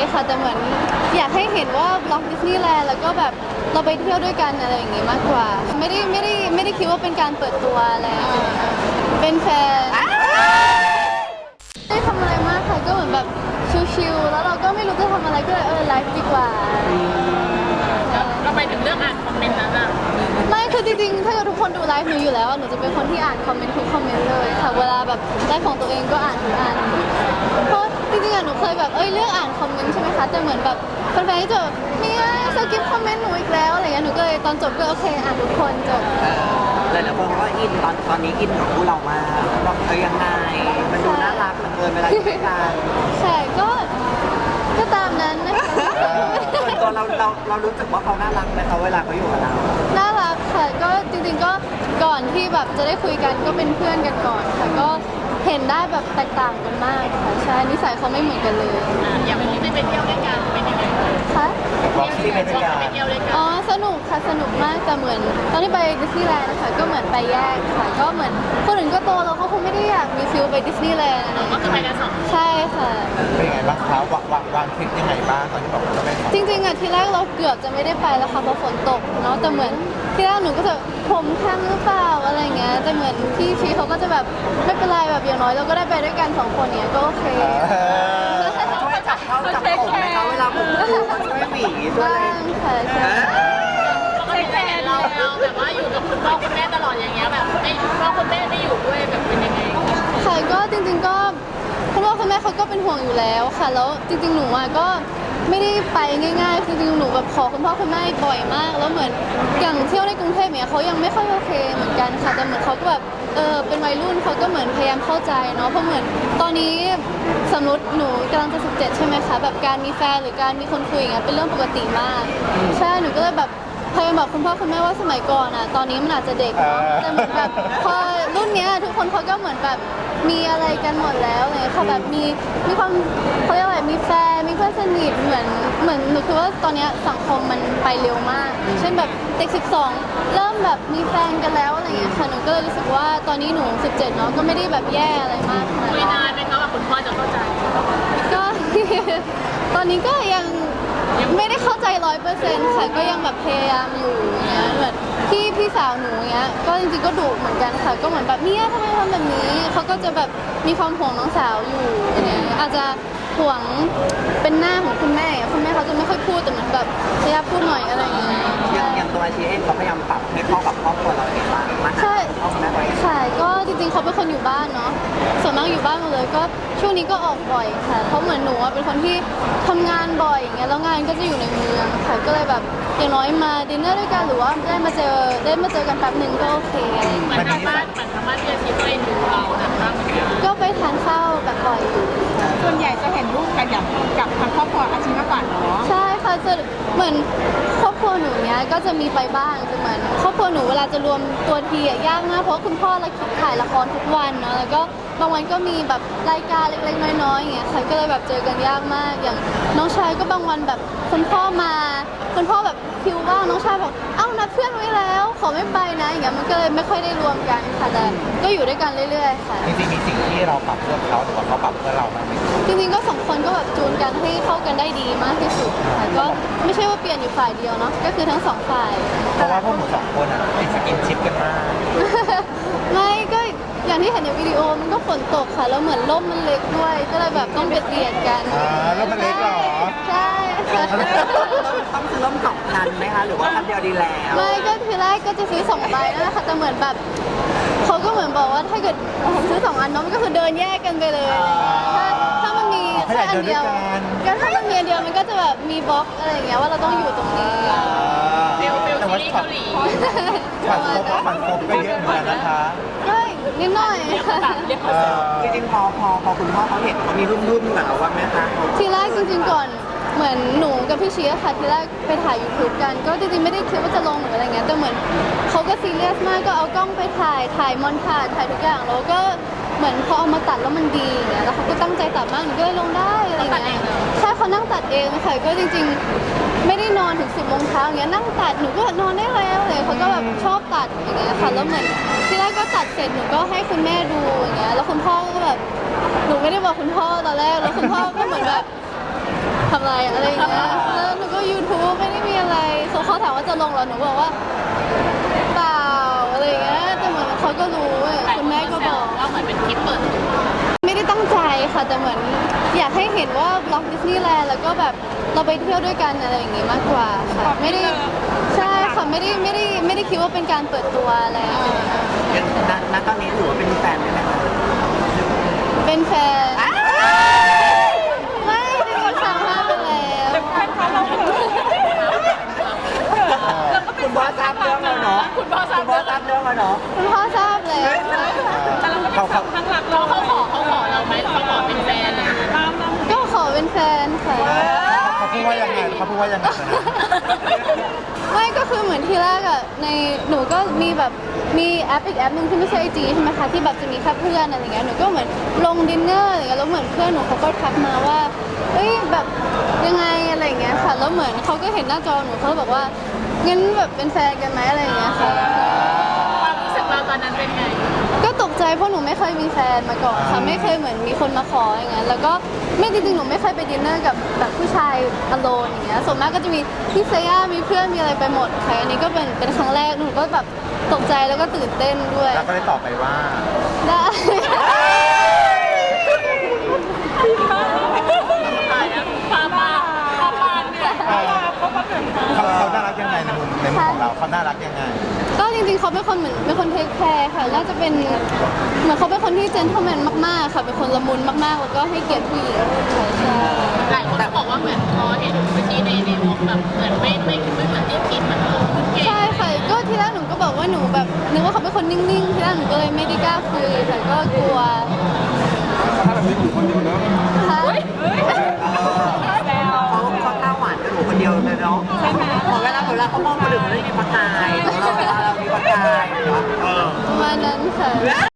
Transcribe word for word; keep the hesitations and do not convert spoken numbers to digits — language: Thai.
ค่ะแต่เหมือนอยากให้เห็นว่าบล็อกดิสนีย์แลนด์แล้วก็แบบเราไปเที่ยวด้วยกันอะไรอย่างงี้มากกว่าไม่ได้ไม่ได้ไม่ได้คิดว่าเป็นการเปิดตัวอะไรเป็นแฟนไม่ได้ทำอะไรมากค่ะก็เหมือนแบบชิลๆแล้วเราก็ไม่รู้จะทำอะไรก็เลยเออไลฟ์ดีกว่าเราไปถึงเรื่องอ่านคอมเมนต์นั้นอะไม่คือจริงๆถ้าเกิดทุกคนดูไลฟ์หนูอยู่แล้วหนูจะเป็นคนที่อ่านคอมเมนต์ทุกคอมเมนต์เลยค่ะเวลาแบบไลฟ์ของตัวเองก็อ่านทุกอันเพราะจริงๆอะหนูเคยแบบเอ้ยเลือกอ่านคอมเมนต์ใช่ไหมคะแต่เหมือนแบบแฟนๆที่จะเนี่ยสกิปคอมเมนต์หนูอีกแล้วอะไรเงี้ยหนูก็เลยตอนจบก็โอเคอ่านทุกคนจบหลายๆคนก็อินตอนตอนนี้อินกับคู่เรามากแบบเออยังไงมันดูน่ารักเหลือเกินเวลาอยู่ด้วยกันใช่ก็ก็ตามนั้นนะคะส่วนตัวเราเราเรารู้สึกว่าเขาน่ารักไหมเขาเวลาเขาอยู่กับเราน่ารักค่ะก็จริงๆก็ก่อนที่แบบจะได้คุยกันก็เป็นเพื่อนกันก่อนค่ะก็เห็นได้แบบแตกต่างกันมากค่ะใช่นิสัยเขาไม่เหมือนกันเลยอย่างวันนี้ไปเที่ยวด้วยกันเป็นยังไงคะที่ไปเที่ยวไปเที่ยวด้วยกันอ๋อสนุกค่ะสนุกมากแต่เหมือนตอนที่ไปดิสนีย์แลนด์นะคะก็เหมือนไปแยกค่ะก็เหมือนคนอื่นก็โตแล้วเขาคงไม่ได้อยากมีฟิลไปดิสนีย์แลนด์ก็คือไปกันสองใช่ค่ะเป็นยังไงบ้างคะวางวางวางทริปยังไงบ้างตอนที่บอกว่าจะไปจริงๆอ่ะทีแรกเราเกือบจะไม่ได้ไปแล้วค่ะเพราะฝนตกเนาะแต่เหมือนที่แรกหนูก็จะผมทันหรือเปล่าอะไรเงี้ยแต่เหมือนพี่ชีเขาก็จะแบบไม่เป็นไรแบบอย่างน้อยเราก็ได้ไปด้วยกันสองคนเนี้ยก็โอเคช่วยจับเขาจับผมไหมคะเวลาผมดูเขาช่วยหวีช่วยอะไรค่ะใช่ก็เห็นเราเราแบบว่าอยู่กับคุณพ่อคุณแม่ตลอดอย่างเงี้ยแบบไม่พ่อคุณแม่ไม่อยู่ด้วยแบบเป็นยังไงค่ะก็จริงๆก็คุณพ่อคุณแม่เขาก็เป็นห่วงอยู่แล้วค่ะแล้วจริงๆหนูอ่ะก็ไม่ได้ไปง่ายๆคือจริงๆหนูแบบขอคุณพ่อคุณแม่บ่อยมากแล้วเหมือนอย่างเที่ยวในกรุงเทพเนี่ยเขายังไม่ค่อยโอเคเหมือนกันค่ะแต่เหมือนเขาก็แบบเออเป็นวัยรุ่นเขาก็เหมือนพยายามเข้าใจเนาะเพราะเหมือนตอนนี้สมมติหนูกำลังจะสิบเจ็ดใช่ไหมคะแบบการมีแฟนหรือการมีคนคุยอย่างเงี้ยเป็นเรื่องปกติมากใช่หนูก็เลยแบบพยายามบอกคุณพ่อคุณแม่ว่าสมัยก่อนอ่ะตอนนี้มันอาจจะเด็กเนาะแต่เหมือนแบบพอรุ่นเนี้ยทุกคนเขาก็เหมือนแบบมีอะไรกันหมดแล้วเลยเขาแบบมีมีความเขาเรียกอะไรมีแฟนมีเพื่อนสนิทเหมือนเหมือนหนูคือว่าตอนนี้สังคมมันไปเร็วมากเช่นแบบเด็กสิบสองเริ่มแบบมีแฟนกันแล้วอะไรอย่างเงี้ยค่ะหนูก็เลยรู้สึกว่าตอนนี้หนูสิบเจ็ดเนาะก็ไม่ได้แบบแย่อะไรมากคุยนานไหมคะว่าคุณพ่อจะเข้าใจก็ตอนนี้ก็ยังไม่ได้เข้าใจร้อยเปอร์เซ็นต์ค่ะก็ยังแบบพยายามอยู่อย่างเงี้ยเหมือนพี่พี่สาวหนูเงี้ยก็จริงๆก็ดุเหมือนกันค่ะก็เหมือนแบบเนี่ยทำไมทำแบบนี้เขาก็จะแบบมีความห่วงน้องสาวอยู่อย่างเงี้ยอาจจะห่วงเป็นหน้าของคุณแม่คุณแม่เขาจะไม่ค่อยพูดแต่เหมือนแบบพยายามพูดหน่อยอะไรอย่างเงี้ยอย่างอย่างตัวอาชีเองเขาพยายามปรับให้เข้ากับครอบครัวเราเองบ้างมากขึ้นเข้ากับแม่ตัวเองค่ะก็จริงๆเขาเป็นคนอยู่บ้านเนาะส่วนมากอยู่บ้านหมดเลยก็ช่วงนี้ก็ออกบ่อยค่ะเพราะเหมือนหนูเป็นคนที่ทำงานบ่อยอย่างเงี้ยแล้วงานก็จะอยู่ในเมืองค่ะก็เลยแบบอย่างน้อยมาดินเนอร์ด้วยกันหรือว่าได้มาเจอได้มาเจอกันแป๊บหนึ่งก็โอเคเหมือนทางบ้านเหมือนทางบ้านที่อาชีพตัวเองดูเรานะคะก็ไปทานข้าวแบบบ่อยอยู่ส่วนใหญ่จะเห็นรูปกันอย่างกับทางครอบครัวอาชีพมากกว่าเนาะใช่ค่ะจะเหมือนครอบครัวหนูเนี้ยก็จะมีไปบ้างแต่เหมือนครอบครัวหนูเวลาจะรวมตัวทีอะยากมากเพราะคุณพ่อเราถ่ายละครทุกวันเนาะแล้วก็บางวันก็มีแบบรายการเล็กๆน้อยๆอย่างเงี้ยค่ะก็เลยแบบเจอกันยากมากอย่างน้องชายก็บางวันแบบคุณพ่อมาคุณพ่อแบบคิวว่างน้องชายบอกเอ้านัดเพื่อนไว้แล้วขอไม่ไปนะอย่างเงี้ยมันก็เลยไม่ค่อยได้รวมกันค่ะแต่ก็อยู่ด้วยกันเรื่อยๆค่ะจริงๆมีสิ่งที่เราปรับเพื่อเขาหรือว่าเขาปรับเพื่อเราบ้างไหมจริงๆก็สองคนก็แบบจูนกันให้เข้ากันได้ดีมากที่สุดค่ะก็ไม่ใช่ว่าเปลี่ยนอยู่ฝ่ายเดียวเนาะก็คือทั้งสองฝ่ายเพราะว่าพวกหนูสองคนอ่ะติดสกินชิปกันมากไม่ก็อย่างที่เห็นในวิดีโอมันก็ฝนตกค่ะแล้วเหมือนร่มมันเล็กด้วยก็เลยแบบต้องเบียดเบียดกันอ่าร่มมันเล็กเหรอใช่ค่ะต้องซื้อร่มสองคันไหมคะหรือว่าคันเดียวดีแล้วไม่ก็ทีแรกก็จะซื้อสองใบนั่นแหละค่ะแต่เหมือนแบบเขาก็เหมือนบอกว่าถ้าเกิดผมซื้อสองอันเนาะมันก็คือเดินแยกกันไปเลยถ้าถ้ามันมีแค่อันเดียวก็ถ้ามันมีอันเดียวมันก็จะแบบมีบล็อกอะไรอย่างเงี้ยว่าเราต้องอยู่ตรงนี้ฟิลฟิลซีรีส์เกาหลีฝันครบฝันครบก็เยอะเหมือนกันนะคะก็นิดหน่อยจริงๆพอพอพอคุณพ่อเขาเห็นเขามีรุ่มๆกับเราว่าแม่คะทีแรกจริงๆก่อนเหมือนหนูกับพี่เชียค่ะทีแรกไปถ่าย ยูทูบ กันก็จริงๆไม่ได้คิดว่าจะลงหรืออะไรเงี้ยแต่เหมือนเขาก็ซีเรียสมากก็เอากล้องไปถ่ายถ่ายมอนทาจถ่ายทุกอย่างแล้วก็เหมือนพอเอามาตัดแล้วมันดีอย่างเงี้ยแล้วเขาก็ตั้งใจตัดมากหนูก็เลยลงได้อะไรเงี้ยใช่เขานั่งตัดเองค่ะก็จริงๆไม่ได้นอนถึงสิบโมงเช้าอย่างเงี้ยนั่งตัดหนูก็นอนได้แล้วเลยเขาก็แบบชอบตัดอย่างเงี้ยค่ะแล้วเหมือนทีแรกก็ตัดเสร็จหนูก็ให้คุณแม่ดูอย่างเงี้ยแล้วคุณพ่อก็แบบหนูไม่ได้บอกคุณพ่อตอนแรกแล้วคุณพ่อก็เหมือนแบบทำอะไรอะไรอย่างเงี้ยแล้วหนูก็ YouTube ไม่ได้มีอะไรเขาเขาถามว่าจะลงเหรอหนูบอกว่าเปล่าอะไรอย่างเงี้ยแต่เหมือนเขาก็รู้เว้ยคุณแม่ก็บอกว่าเหมือนเป็นคลิปเปิดตัวไม่ได้ตั้งใจค่ะแต่เหมือนอยากให้เห็นว่าบล็อกดิสนีย์แลนด์แล้วก็แบบเราไปเที่ยวด้วยกันอะไรอย่างงี้มากกว่าค่ะไม่ได้ใช่ค่ะไม่ได้ไม่ได้ไม่ได้คิดว่าเป็นการเปิดตัวอะไรยังณณตอนนี้ถือว่าเป็นแฟนได้ไหมคะเป็นแฟนไม่ได้มีข่าวมาไปแล้วคุณพ่อทราบเรื่องแล้วเนาะคุณพ่อทราบคุณพ่อทราบเรื่องแล้วเนาะคุณพ่อทราบแล้วเขาเขาข้างหลังเราเขาขอเขาขอเราไหมเขาขอเป็นแฟนเลยก็ขอเป็นแฟนค่ะเขาพูดว่ายังไงเขาพูดว่ายังไงตอนนั้นไม่ก็คือเหมือนที่แรกอะในหนูก็มีแบบมีแอปอีกแอปหนึ่งที่ไม่ใช่ไอจีใช่ไหมคะที่แบบจะมีแค่เพื่อนอะไรเงี้ยหนูก็เหมือนลงดินเนอร์อะไรเงี้ยแล้วเหมือนเพื่อนหนูเขาก็ทักมาว่าเอ้ยแบบยังไงอะไรเงี้ยค่ะแล้วเหมือนเขาก็เห็นหน้าจอหนูเขาบอกว่างั้นแบบเป็นแฟนกันไหมอะไรเงี้ยค่ะความรู้สึกเราตอนนั้นเป็นไงก็ตกใจเพราะหนูไม่เคยมีแฟนมาก่อนค่ะไม่เคยเหมือนมีคนมาขออย่างเงี้ยแล้วก็ไม่จริงๆหนูไม่เคยไปดินเนอร์กับแบบผู้ชายอโลนอย่างเงี้ยส่วนมากก็จะมีพี่เซย่ามีเพื่อนมีอะไรไปหมดค่ะอันนี้ก็เป็นเป็นครั้งแรกหนูก็แบบตกใจแล้วก็ตื่นเต้นด้วยแล้วก็ได้ตอบไปว่าได้ตายแล้วพามาพามาเนี่ยเขาเขาน่ารักยังไงในมุมในมุมของเราเขาน่ารักยังไงก็จริงๆเขาเป็นคนเหมือนเป็นคนเทคแคร์ค่ะน่าจะเป็นเหมือนเขาเป็นคนที่เจนเทลแมนมากๆค่ะเป็นคนละมุนมากๆ แล้วก็ให้เกียรติผู้หญิงค่ะใช่หลายคนก็บอกว่าเหมือนพอเห็นเมื่อกี้ในในวงแบบเหมือนไม่ไม่ไม่เหมือนที่คิดเหมือนเขาพูดเก่งใช่ค่ะก็ทีแรกหนูก็บอกว่าหนูแบบนึกว่าเขาเป็นคนนิ่งๆทีแรกหนูก็เลยไม่ได้กล้าคุยค่ะก็กลัวถ้าแบบนี้อยู่คนเดียวเนอะค่ะเขาเขาหน้าหวานกับหนูคนเดียวเลยเนาะใช่ไหมพอเวลาเวลาเขามองคนอื่นมันไม่มีประกายเราเวลาเรามีประกายเนาะเออประมาณนั้นค่ะ